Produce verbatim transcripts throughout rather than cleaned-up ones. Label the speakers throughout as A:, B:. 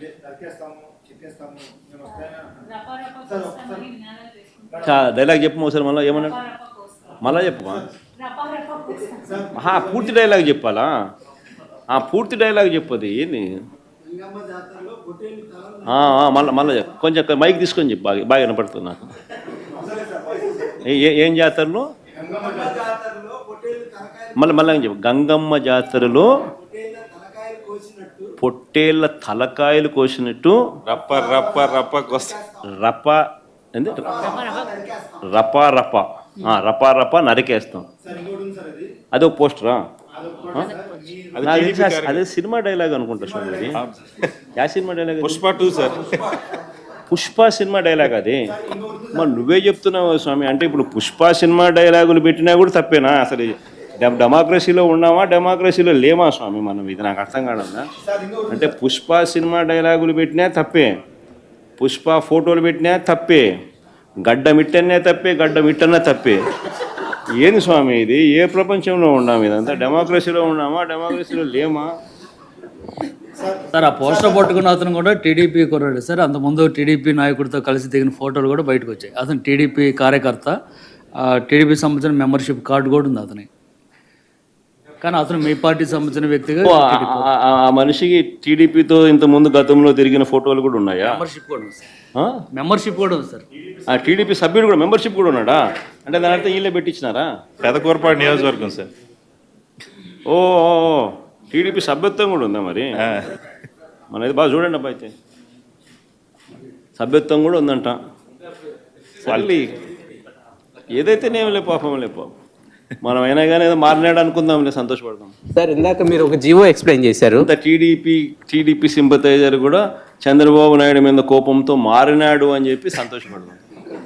A: Dialogue చెప్పు ఒకసారి మళ్ళీ ఏమన్నాడు మళ్ళా చెప్పు పూర్తి డైలాగ్ చెప్పాలా పూర్తి డైలాగ్ చెప్పది ఏంది మళ్ళీ మళ్ళీ కొంచెం మైక్ తీసుకొని చెప్పు బాగా బాగా వినపడుతుంది నాకు. ఏం జాతరలో మళ్ళీ మళ్ళీ చెప్పు. గంగమ్మ జాతరలో పొట్టేళ్ళ తలకాయలు కోసినట్టు
B: రప్ప రప్ప రప్ప కోస
A: రప్ప ఏంది రపా రప రపా రప నరికేస్తాం. అదే ఒక పోస్టరా? అదే సినిమా డైలాగ్ అనుకుంటా స్వామి. Yeah cinema dialogue?
B: Pushpa two sir.
A: Pushpa cinema dialogue అది. మరి నువ్వే చెప్తున్నావు స్వామి. అంటే ఇప్పుడు పుష్ప సినిమా డైలాగులు పెట్టినా కూడా తప్పేనా? అసలు డెమోక్రసీలో ఉన్నామా డెమోక్రసీలో లేమా స్వామి మనం? ఇది నాకు అర్థం కాదన్నా. అంటే పుష్ప సినిమా డైలాగులు పెట్టినా తప్పే, పుష్ప ఫోటోలు పెట్టినా తప్పే, గడ్డ మిట్టనే తప్పే, గడ్డ మిట్టనే తప్పే. ఏంది స్వామి ఇది? ఏ ప్రపంచంలో ఉన్నాము? ఇదంతా డెమోక్రసీలో ఉన్నామా డెమోక్రసీలో లేమా?
C: సార్ ఆ పోస్టర్ పట్టుకున్న అతను కూడా టీడీపీ కుర్రాడు సార్. అంతకుముందు టీడీపీ నాయకుడితో కలిసి దిగిన ఫోటోలు కూడా బయటకు వచ్చాయి. అతను టీడీపీ కార్యకర్త, టీడీపీ సంబంధించిన మెంబర్షిప్ కార్డు కూడా ఉంది అతని. కానీ అతను మీ పార్టీ సంబంధించిన వ్యక్తిగా
A: ఆ మనిషికి టీడీపీతో ఇంత ముందు గతంలో తిరిగిన ఫోటోలు కూడా ఉన్నాయా?
C: మెంబర్షిప్ కూడా ఉంది సార్. మెంబర్షిప్ కూడా ఉంది సార్.
A: ఆ టీడీపీ సభ్యుడు కూడా మెంబర్షిప్ కూడా ఉన్నాడా? అంటే దాని అర్థం వీళ్ళే పెట్టించినారా?
B: పెదకూరపాడు నియోజకవర్గం సార్.
A: ఓ టీడీపీ సభ్యత్వం కూడా ఉందా మరి? మనది బాగా చూడండి అబ్బా. అయితే సభ్యత్వం కూడా ఉందంట. మళ్ళీ ఏదైతే నేం లే పాపం లే పాపం. మనం అయినా కానీ ఏదో మారినాడు అనుకుందాం, సంతోషపడదాం.
D: సార్ ఇందాక మీరు ఒక జీవో ఎక్స్ప్లెయిన్ చేశారు.
A: టీడీపీ టీడీపీ సింపతైజర్ కూడా చంద్రబాబు నాయుడు మీద కోపంతో మారినాడు అని చెప్పి సంతోషపడదాం.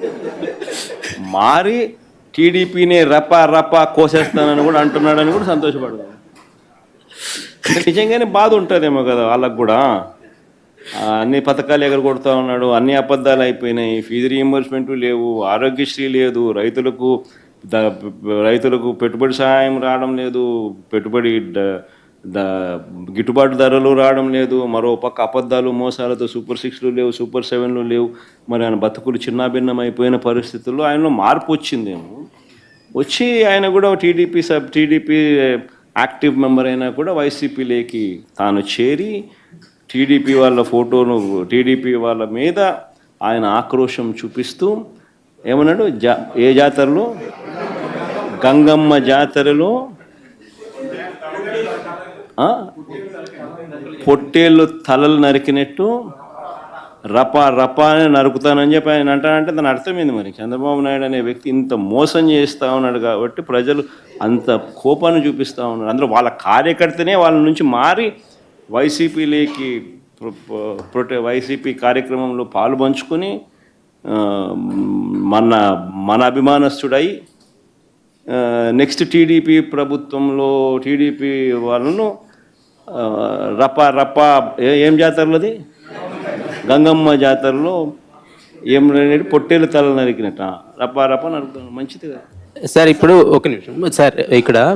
A: మారి టీడీపీని రప రప కోసేస్తానని కూడా అంటున్నాడని కూడా సంతోషపడదాం. నిజంగానే బాధ ఉంటుందేమో కదా వాళ్ళకు కూడా. అన్ని పథకాలు ఎగరగొడతా ఉన్నాడు, అన్ని అబద్ధాలు అయిపోయినాయి, ఫీజు రీయింబర్స్మెంట్ లేవు, ఆరోగ్యశ్రీ లేదు, రైతులకు ద రైతులకు పెట్టుబడి సహాయం రావడం లేదు, పెట్టుబడి ద గిట్టుబాటు ధరలు రావడం లేదు, మరో పక్క అబద్ధాలు మోసాలతో సూపర్ సిక్స్లు లేవు, సూపర్ సెవెన్లు లేవు. మరి ఆయన బతుకులు చిన్నాభిన్నం అయిపోయిన పరిస్థితుల్లో ఆయనలో మార్పు వచ్చిందేమో. వచ్చి ఆయన కూడా TDP sub TDP active member అయినా కూడా వైసీపీలోకి తాను చేరి టీడీపీ వాళ్ళ ఫోటోను టీడీపీ వాళ్ళ మీద ఆయన ఆక్రోశం చూపిస్తూ ఏమన్నాడు? జా ఏ జాతరలో? గంగమ్మ జాతరలో పొట్టేళ్ళు తలలు నరికినట్టు రపా రపా అని నరుకుతానని చెప్పి ఆయన అంటానంటే దాని అర్థమైంది. మరి చంద్రబాబు నాయుడు అనే వ్యక్తి ఇంత మోసం చేస్తూ ఉన్నాడు కాబట్టి ప్రజలు అంత కోపాన్ని చూపిస్తూ ఉన్నారు. అందులో వాళ్ళ కార్యకర్తనే వాళ్ళ నుంచి మారి వైసీపీలోకి ప్రొటె వైసీపీ కార్యక్రమంలో పాలు పంచుకొని మన మన అభిమానస్తుడై నెక్స్ట్ టీడీపీ ప్రభుత్వంలో టీడీపీ వాళ్ళను రప రప ఏం జాతరలోది గంగమ్మ జాతరలో ఏం పొట్టేలు తల నరికినట్ట రప రప నరుకుతాను. మంచిది కదా
D: సార్. ఇప్పుడు ఒక నిమిషం సార్, ఇక్కడ